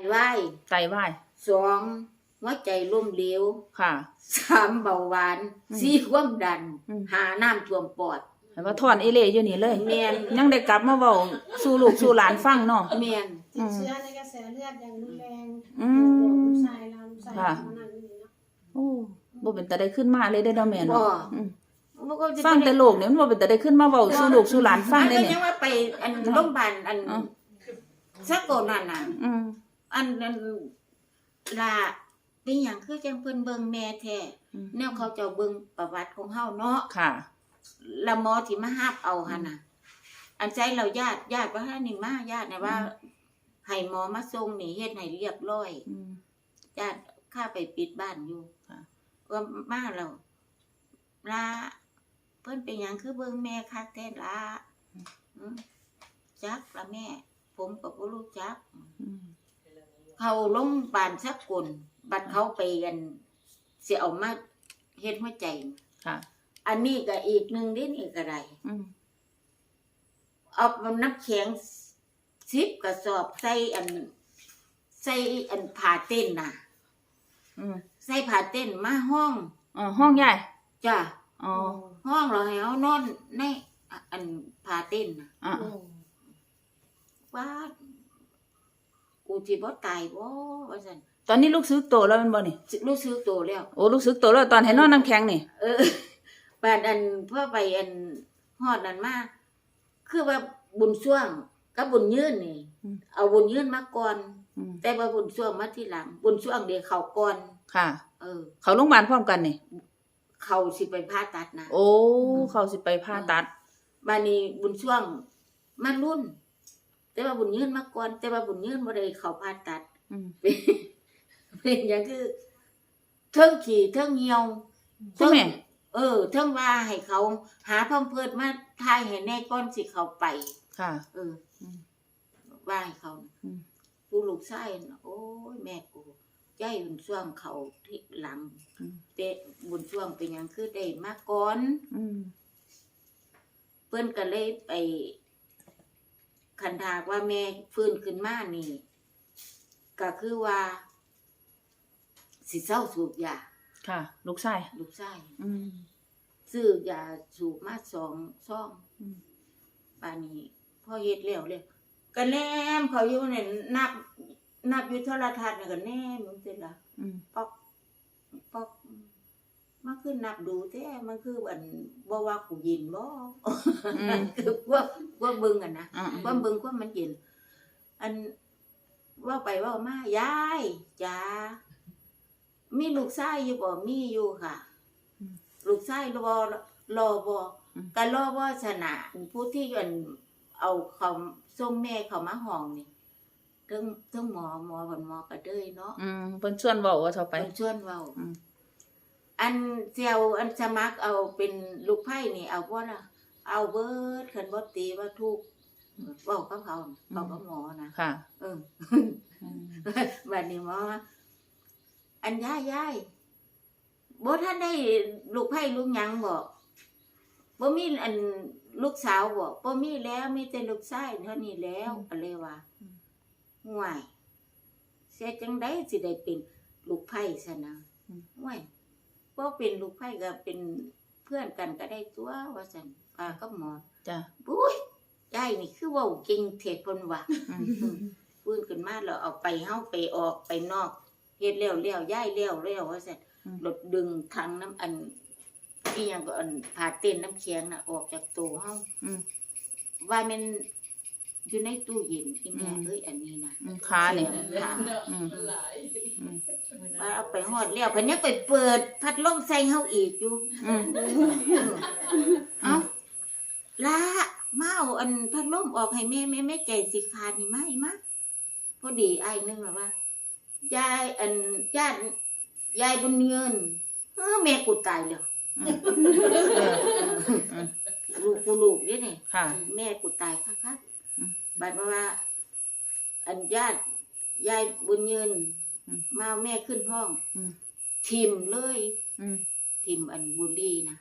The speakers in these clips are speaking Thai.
วายไตวาย 2หัวใจล้มเหลวค่ะ 3เบาหวาน4ความดัน5น้ำท่วมปอดให้ว่าถอนเอเล่อยู่นี่เลยแม่นยังได้กลับมาเว้าสู่ลูกสู่หลานฟังเนาะแม่นติดเชื้อในกระแสเลือดอย่างรุนแรงลูกชายเราลูกชายเรามานั่งอยู่นี่เนาะโอ้บ่เป็นตาได้ขึ้นมาเลยเด้อแม่บ่เนาะมันก็ฟังแต่โลกเนี่ยมันบ่เป็นตาได้ขึ้นมาเว้าสู่ลูกสู่หลานฟังได้เนี่ยยังว่าไปอันโรงพยาบาลอันซักโกนั่นน่ะอันล่ะเป็นหยังคือจังเพิ่นเบิ่งแม่แท้แนวเขาเจ้าเบิ่งประวัติของเฮาเนาะค่ะแล้วหมอที่มารับเอาหั่นน่ะอันใจเราญาติว่าให้นี่มาญาติน่ะว่าให้หมอมาส่งนี่เฮ็ดให้เรียบร้อยญาติข้าไปปิดบ้านอยู่ว่ามาแล้วลาเพิ่นเป็นหยังคือเบิ่งแม่คักแท้ล่ะจักละแม่ผมก็บ่รู้จักเขาโรงพยาบาลสักคนบัดเขาไปกันสิเอามาเฮ็ดหัวใจค่ะอันนี้ก็อีกนึงนี่ก็ได้เอาน้ำแข็ง10กระสอบใส่อันผ้าเต้นน่ะใส่ผ้าเต้นมาห้องห้องใหญ่จ้ะห้องเราให้เฮานอนในอันผ้าเต้นน่ะว่ากูสิบ่ตายบ่ว่าซั่นตอนนี้ลูกซื้อโตแล้วมันบ่นี่ลูกซื้อโตแล้วโอ้ลูกซื้อโตแล้วตอนให้นอนน้ำแข็งนี่บาดอันเพื่อไปอันฮอดนั่นมาคือว่าบุญช่วงกับบุญยืนนี่เอาบุญยืนมาก่อนแต่ว่าบุญช่วงมาทีหลังบุญช่วงเดี๋ยวเข้าก่อนค่ะเขาโรงพยาบาลพร้อมกันนี่เขาสิไปผ่าตัดนะโอ้เขาสิไปผ่าตัดบัดนี้บุญช่วงมารุ่นแต่ว่าบุญยืนมาก่อนแต่ว่าบุญยืนบ่ได้เข้าผ่าตัดเป็นหยังคือเทิงขี้เทิงเหี่ยวใช่มั้ยเทิงว่าให้เขาหาพร้อมเพิดมาทายให้แน่ก่อนสิเข้าไปค่ะว่าให้เขาผู้ลูกชายโอ้ยแม่กูใจบุญช่วงเขาที่หลังแต่บุญช่วงเป็นหยังคือได้มาก่อนเพิ่นก็เลยไปคันถากว่าแม่ฟื้นขึ้นมานี่ก็คือว่าสิเศร้าสูบยาค่ะลูกชายซื้อยาสูบมา2 ซองป่านนี้พอเฮ็ดแล้วเลยก็แนมเขาอยู่เนี่ยนับอยู่โทรทัศน์น่ะก็แนมมันสิล่ะปอกมันคือนับดูแท้มันคืออันบ่ว่ากูยินบ่คือว่าเบิ่งกันนะว่าเบิ่งว่ามันยินอันว่าไปว่ามายายจ๋ามีลูกชายอยู่บ่มีอยู่ค่ะลูกชายรอบ่ก็รอบ่ชนะผู้ที่อันเอาเขาส่งแม่เขามาห้องนี่ถึงหมอก็เด้ยเนาะเพิ่นชวนเว้าว่าเท่าไปเพิ่นชวนเว้าอันเจียวอันสมัครเอาเป็นลูกไผ่นี่เอาบ่ล่ะเอาเบิดคันบ่ตีว่าทุกเว้ากับเขาเว้ากับหมอนะค่ะบัดนี้หมออันยายบ่ทันได้ลูกไผ่ลูกหยังบ่มีอันลูกสาวบ่มีแล้วมีแต่ลูกชายเท่านี้แล้วก็เลยว่าห่วยเสียจังได๋สิได้เป็นลูกไผ่ซะนะห่วยบ่เป็นลูกไผ่ก็เป็นเพื่อนกันก็ได้ตัวว่าซั่นป้ากับหมอจ้ะอุ้ยยายนี่คือเว้าเก่งเทศเพิ่นว่าฟื้นขึ้นมาแล้วเอาไปเฮาไปออกไปนอกเฮ็ดแล้วยายแล้วว่าซั่นรถดึงถังน้ำอันอีหยังก็อันผ่าเต้นน้ำแข็งน่ะออกจากตู้เฮาว่ามันอยู่ในตู้เย็นอีแม่เอ้ยอันนี้นะขาเนี่ยว่าเอาไปฮอดแล้วเพิ่นยังไปเปิดพัดลมใส่เฮาอีกอยู่เอ้าล่ะมาเอาอันพัดลมออกให้แม่ใจสิขาดนี่มาพอดีอ้ายนึงว่ายายอันยายบุญเงินแม่กูตายแล้วลูกนี่นี่แม่กูตายคักๆบัดว่าอันญาติยายบุญเงินมาแม่ขึ้นห้องทิมเลยทิมอันบุรีนะ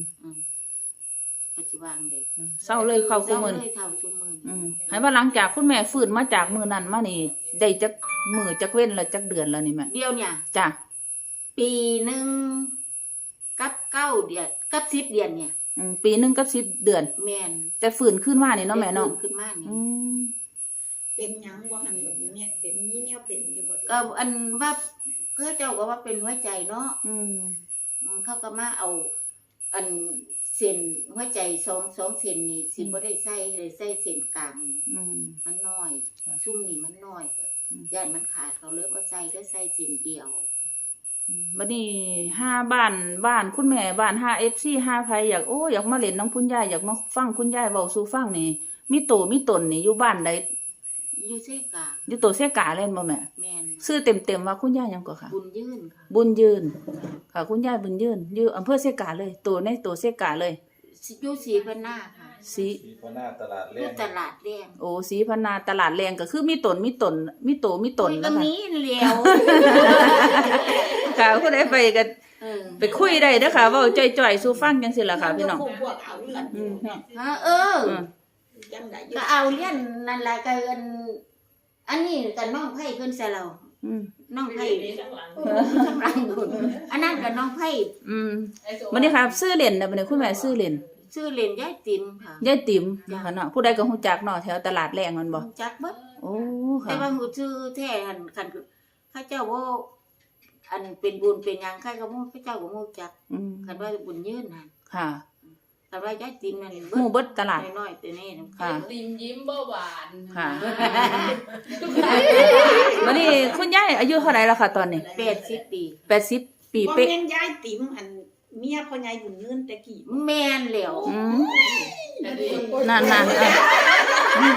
ปัจจุบันเด็กเศร้าเลยเข้าซุมื้อให้ว่าหลังจากคุณแม่ฟื้นมาจากมื้อนั้นมานี่ได้จักมื้อจักเว้นแล้วจักเดือนแล้วนี่แม่เดียวเนี่ยจ้ะปีหนึ่งกับ9 เดือนกับ10 เดือนเนี่ยปีหนึงกับ10 เดือนแม่นแต่ฟื้นขึ้นมานี่เนาะแม่เนาะได้ฟื้ขึ้นมานี่อืมเป็นหยังบ่หันแบบนี้เป็นนี้แนวเป็นอยู่บ่ก็อันว่าเจ้าก็ว่าเป็นหัวใจเนาะอืมเขาก็มาเอา อันเส้นหัวใจ2เส้นนี่สิบ่ได้ใส่เลยใส่เส้นกลางนี่อืมมันน้อยค่ะซุ่มนี่มันน้อยอืมย่านมันขาดเขาเลยบ่ใส่ได้ใส่เส้นเดียวบัดนี้5บ้านคุณแม่บ้าน5 FC 5ไผอยากมาเล่นน้ำคุณยายอยากมาฟังคุณยายเว้าสู่ฟังนี่มีโตมีตนนี่อยู่บ้านใดอยู่เสกาอยู่โตเสกาเล่นบ่แม่แม่นชื่อเต็มๆว่าคุณยายหยังก็ค่ะบุญยื่นค่ะบุญยืนค่ะคุณยายบุญยืนอยู่อำเภอเสกาเลยโตในโตเสกาเลยอยู่ศรีพนาค่ะสีสีพนาตลาดอเล่ยู่นตลาดแดงโอ้สีพนาตลาดแรงก็คือมีตนมีโตมีโตก็นะคะมีแล้วค่ะผู้ใดไปก็เออไปคุยได้เด้อค่ะเว้าจ่อยๆสู่ฟังจังซี่ล่ะค่ะพี่น้องพวกเอาเลือดอืมฮะเอออืมจำได้อยู่ก็เอาเลี้ยนนั่นล่ะก็อันนี้ก็น้องไผเพิ่นซะแล้วอืมน้องไผข้างหลังพุ่นอันนั้นก็น้องไผอืมบัดนี้ค่ะซื้อเล่นน่ะบัดนี้คุณแม่ซื้อเล่นชื่อเล่นยายติ๋มค่ะยายติ๋มนะคะเนาะผู้ใดก็ฮู้จักเนาะแถวตลาดแรงมันบ่จักเบิดโอ้แต่ค่ะว่าฮู้ชื่อแท้หันคันข้าเจ้าว่าอันเป็นบุญเป็นหยังใครก็บ่ข้าเจ้าก็บ่รู้จักอืมคันว่าบุญยืนหั่นค่ะคันว่ายายติ๋มนั่นหมู่เบิดตลาดน้อยๆแต่นี่นะค่ะติมยิ้มเบาหวานค่ะ วันนี้คุณยายอายุเท่าไหร่แล้วค่ะตอนนี้ 80 ปี 80 ปีบ่เป๊ะแม่นยายติ๋มอันเมียพ่อใหญ่บุญเงินแต่กี้แม่นแล้วอืมนั่นๆเออ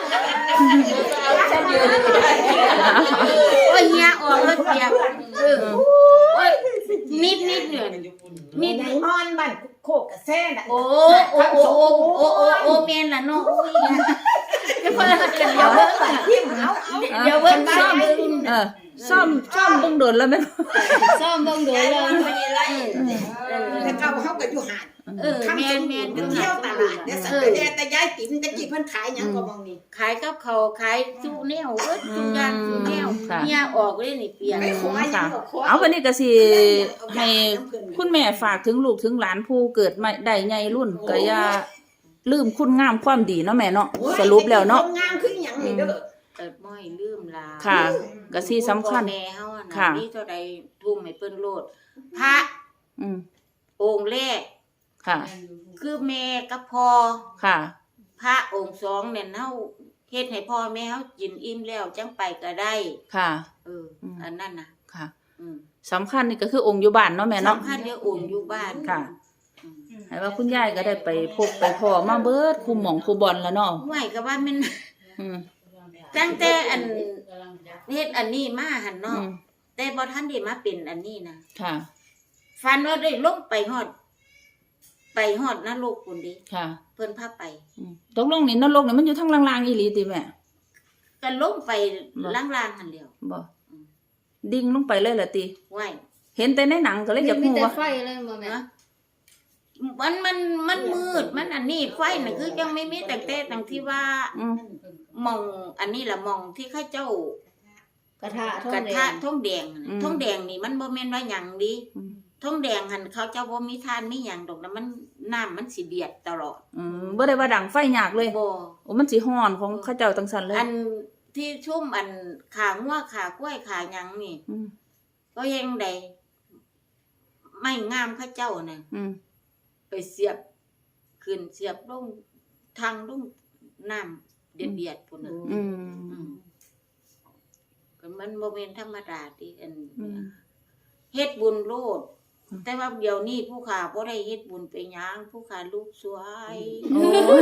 โอ้ยเฮียออกแล้วเปียกโอ้ยนิดเนี่ยนิดในมอนบ้านโคกกระแซ่น่ะโอ้แม่นล่ะเนาะโอ้ยเดี๋ยวเพิ่นกันเดี๋ยวเบิ่งที่เอาเดี๋ยวเบิ่งซ่อมเบิ่งเออซ่อมเบิ่งโดนแล้วแม่นซ่อมเบิ่งเด้อเลยแต่เก่าเฮาก็อยู่หาดแม่นเที่ยวตลาดเดี๋ยวสักแต่ยายติ๋มตะกี้เพิ่นขายหยังก็มองนี่ขายกับเขาวขายจูแนวจูย่างจูแนวเฮียออกเลยนี่เปียกไปขอหยังก็ขอเอาวันนี้ก็สิให้คุณแม่ฝากถึงลูกถึงหลานผู้เกิดใหม่ได้ใหญ่รุ่นก็อย่าลืมคุณงามความดีเนาะแม่เนาะสรุปแล้วเนาะงามคือหยังนี่เด้อเกิดบ่ให้ลืมลาค่ะก็สิสำคัญแม่เฮาอะนะค่ะนี่เท่าใดทุ่มให้เพิ่นโลดพระอืมองค์แรกค่ะคือแม่กับพ่อค่ะพระองค์สองเนี่ยเฮาเฮ็ดให้พ่อแม่เฮากินอิ่มแล้วจังไปก็ได้ค่ะอันนั้นน่ะค่ะอืมสำคัญนี่ก็คือองค์อยู่บ้านเนาะแม่เนาะสำคัญเดี๋ยวองค์อยู่บ้านค่ะ ให้ว่าคุณยายก็ได้ไปพบไปพ่อมาเบิดคุมหม่องคุบอลแล้วเนาะไหวก็ว่ามันอืมตั้งแต่อันเฮ็ดอันนี้มาหั่นอืเนาะมแต่บ่ทันได้มาเป็นอันนี้นะค่ะฝันว่าได้ลงไปฮอดนรกพุ่นดิค่ะเพิ่นพาไปอืมตกลงนี่นรกนี่มันอยู่ทางล่างๆอีหลีติแม่ก็ลงไปล่างๆหั่นแหล้วบ่ดิ่งลงไปเลยล่ะติไหวเห็นแต่ในหนังก็เลยอยากมีรู้แต่ว่าไฟเลยบ่แม่นะมันมืดมันอันนี้ไฟน่ะคือยังไม่มีแต่ตั้งที่ว่าอืมมองอันนี้ล่ะมองที่ข้าเจ้ากระทะกระทะทองแดงอืมทองแดงนี่มันบ่แม่นว่าหยังดิอืมทองแดงหั่นเขาเจ้าบ่มีทานมีหยังดอกนะมันน้ำมันสิเดือดตลอดบ่ได้ว่าดังไฟยากเลยบ่โอ้มันสิฮ้อนของเขาเจ้าจังซั่นเลยอันที่ชุ่มอันขางัวขากล้วยขาหยังนี่อืมก็ยังได้ไม่งามข้าเจ้าน่ะอืมไปเสียบขึ้นเสียบลงทางลงน้ำเดือดๆพุ่นน่ะอืมก็มันบ่แม่นธรรมดาติอันอืมเฮ็ดบุญโลดอืมแต่ว่าเดี๋ยวนี้ผู้ขาบ่ได้เฮ็ดบุญไปหยังผู้ขาลูกสวยโอ้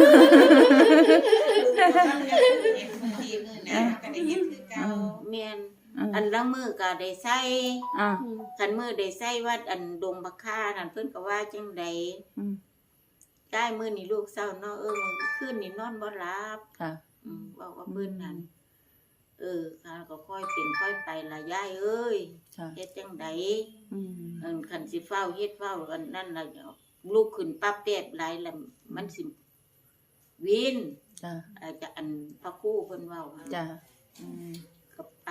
แม่นอัอันนละมือก็ได้ใส่อ่าคันมือได้ใส่วัดอันดงบักค่านั่นเพิ่นก็ว่าจังไดอืมได้มื้อนี้ลูกเศร้าเนาะมื้อคืนนี่นอนบ่หลับค่ะบอกว่าเพิ่นนั่นค่ะก็ค่อยเป็นค่อยไปล่ะยายเอ้ยค่ะเฮ็ดจังไดอืมคันสิเฝ้าเฮ็ดเฝ้าอันนั้นล่ะลูกขึ้นปั๊บแป๊บหลายแล้วมันสิวินจ้ะอาจจะอันพระครูเพิ่นเว้าค่ะจ้ะอืมก็ก็ไป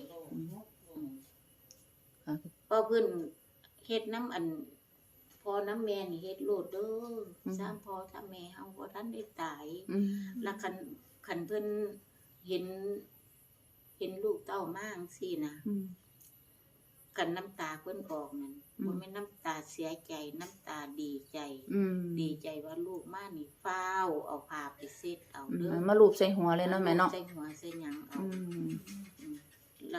ค่ะเพราะเพิ่นเฮ็ดน้ำอันพอน้ำแม่นี่เฮ็ดโลดเด้อสร้างพ่อสร้างแม่เฮาบ่ทันได้ตาย แล้วคันเพิ่นเห็นลูกเต้ามาจังซี่นะกันน้ำตาเพิ่นออกนั่นบ่แม่นน้ำตาเสียใจน้ำตาดีใจ ดีใจว่าลูกมานี่ฟ้าวเอาผ้าไปเช็ดเอาเด้อมาลูบใส่หัวเลยเนาะแม่เนาะใส่หัวใส่หยังเอาแล้ว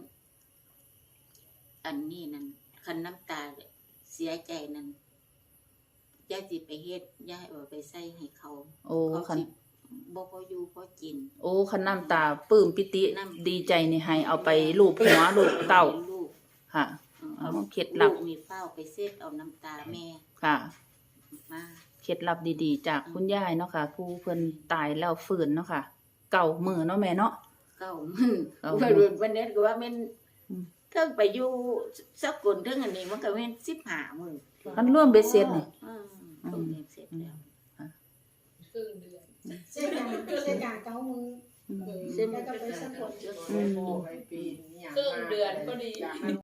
อันนี้นั่นคันน้ำตาเสียใจนั่นย่าสิไปเฮ็ดย่าเอาไปใส่ให้เขาโอ้เขาคันสิบ่พออยู่พอกินโอ้คันน้ำตาปลื้มปิติดีใจนี่ให้เอาไปลูบหัวลูบเต้าลูกค่ะเอาเคล็ดลับลูกมีเฝ้าไปเช็ดเอาน้ำตาแม่ค่ะมาเคล็ดลับดีๆ จากคุณยายเนาะค่ะ ผู้เพิ่นตายแล้วฟื้นเนาะค่ะ เก่ามือเนาะแม่เนาะเก้ามื้อเก้าว่ามื้อวันนี้ก็ว่าแม่นอืมเทิงไปอยู่สักคนเทิงอันนี้มันก็แม่น15มื้อมันร่วมเบ็ดเสร็จนี่ต้องเรียนเสร็จแล้วครึ่งเดือนเส้นกาเก้ามือเส้นแล้วก็ไปสะกดครึ่งเดือนพอดี